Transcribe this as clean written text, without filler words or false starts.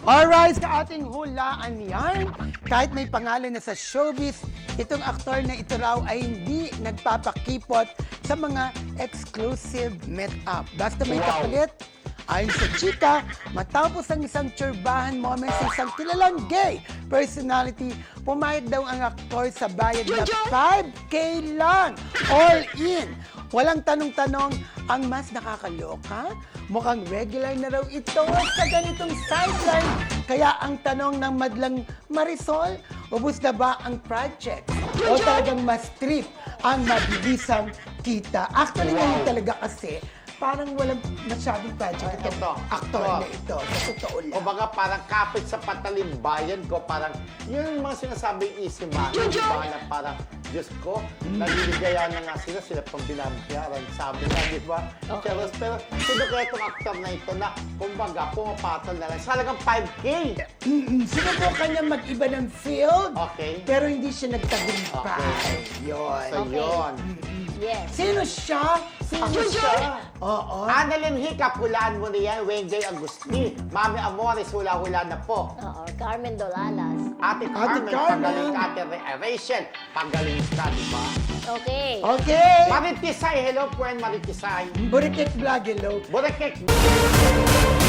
Alright, sa ating hulaan yan, kahit may pangalan na sa showbiz, itong aktor na ito raw ay hindi nagpapakipot sa mga exclusive meet-up. Basta may kapalit, ayon sa chika, matapos ang isang tsurbahan moment sa isang kilalang gay personality, pumayag daw ang aktor sa bayad na 5K lang, all in. Walang tanong-tanong, ang mas nakakaloka, mukhang regular na raw ito sa ganitong sideline. Kaya ang tanong ng madlang Marisol, ubus na ba ang project? O talagang mas trip ang mabilisang kita? Actually, ngayon talaga kasi, parang walang masyadong project itong aktor na ito. Sa totoo lang. O baga parang kapit sa patalimbayan ko, parang yun yung mga sinasabing easy money, di ba? Na parang, Diyos ko, naliligaya na nga sila pang binabayaran. Sabi nga, di ba? Okay. Pero sino kaya itong aktor na ito na, kumbaga, pumapatol na lang. Salagang 5K! Sinubukan niya mag-iba ng field, Okay. pero hindi siya nagtagumpay. Okay. Yun. So, yun. Yes. Sino siya? Sino siya? Oo. Annalyn Hiccup, hulaan mo na yan. Wenjay Agustin. Mami Amores, hula-hula na po. Oo, Carmen Dolalas. Ate Carmen, pagaling ka. Ate Rachel, pagaling ka, di ba? Okay. Okay. Maritisay, hello po, and Maritisay. Burikit Vlog, hello. Burekek.